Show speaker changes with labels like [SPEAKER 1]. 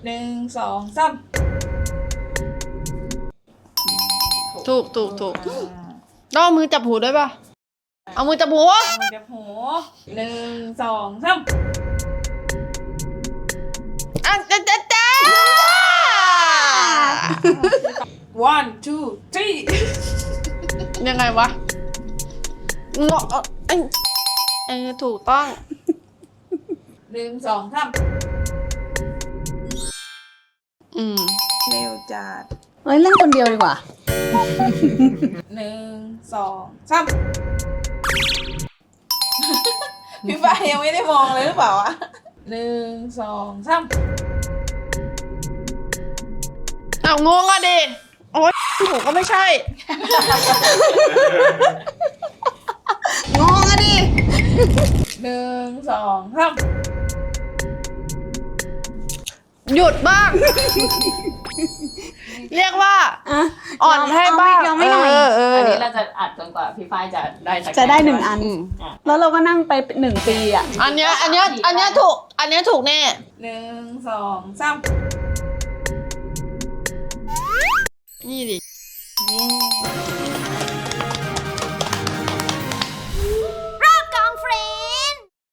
[SPEAKER 1] 1 2 3
[SPEAKER 2] ถูกต้องเอามือจับหูด้วยป่ะเอามือจับหู
[SPEAKER 1] มันจะหู1 2 3
[SPEAKER 2] อ่ะจ้า
[SPEAKER 1] 1 2 3
[SPEAKER 2] ยังไงวะงอถูกต้อง
[SPEAKER 1] 1 2 3เร็วจัด
[SPEAKER 3] เฮ้ยเล่นคนเดียวดีกว่า
[SPEAKER 1] 1 2 3พี่ฟ้ายังไม่ได้มองเลยหรือเปล่าวะ1 2 3
[SPEAKER 2] เอางงอ่ะดิโอ๊ยหูก็ไม่ใช่
[SPEAKER 3] งงอะดิ
[SPEAKER 1] 1 2 3
[SPEAKER 2] หยุดบ้าง เรียกว่าอ่อนให้บ้าง
[SPEAKER 3] ยอมไม่หน่อย
[SPEAKER 1] อันนี้เราจะอัดจนกว่าพี่ฝ้ายจะได้สัก
[SPEAKER 3] จะได้1 อัน แล้วเราก็นั่งไป1 ปีอ่ะ
[SPEAKER 2] อันเนี้ยถูกอันเนี้ยถูกแน่
[SPEAKER 1] 1 2 3
[SPEAKER 2] นี่ดิ